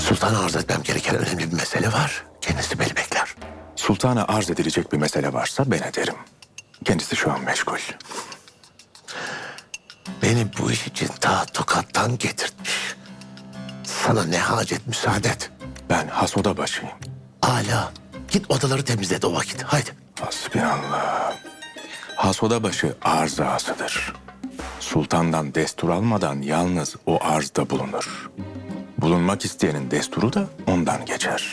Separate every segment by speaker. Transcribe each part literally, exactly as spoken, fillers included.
Speaker 1: Sultana arz etmem gereken önemli bir mesele var. Kendisi beni bekler.
Speaker 2: Sultana arz edilecek bir mesele varsa ben ederim. Kendisi şu an meşgul.
Speaker 1: Beni bu iş için ta Tokat'tan getirtmiş. Sana ne hacet, müsaade et.
Speaker 2: Ben hasoda başıyım.
Speaker 1: Hala git odaları temizlet o vakit. Haydi.
Speaker 2: Hasbinallah. Hasoda başı arz ağasıdır. Sultandan destur almadan yalnız o arzda bulunur. Bulunmak isteyenin desturu da ondan geçer.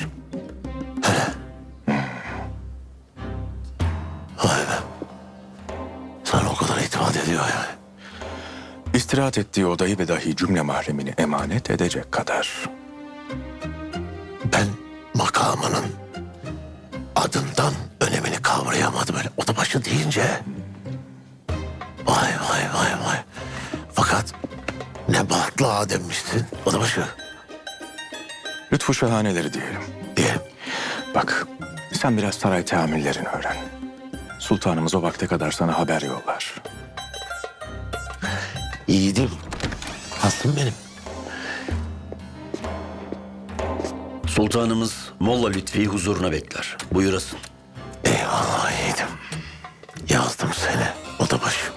Speaker 1: Vay be. Sana o kadar itimat ediyor yani.
Speaker 2: İstirahat ettiği odayı ve dahi cümle mahremini emanet edecek kadar.
Speaker 1: Ben makamının adından önemini kavrayamadım öyle odabaşı deyince. Vay vay vay vay. Fakat ne bahtlı ademmişsin odabaşı
Speaker 2: Lütfu şahaneleri diyelim.
Speaker 1: diye.
Speaker 2: Bak, sen biraz saray teamüllerini öğren. Sultanımız o vakte kadar sana haber yollar.
Speaker 1: Yiğidim. Haslım benim.
Speaker 3: Sultanımız Molla Lütfi'yi huzuruna bekler. Buyurasın.
Speaker 1: Eyvallah yiğidim. Yazdım seni odabaşı.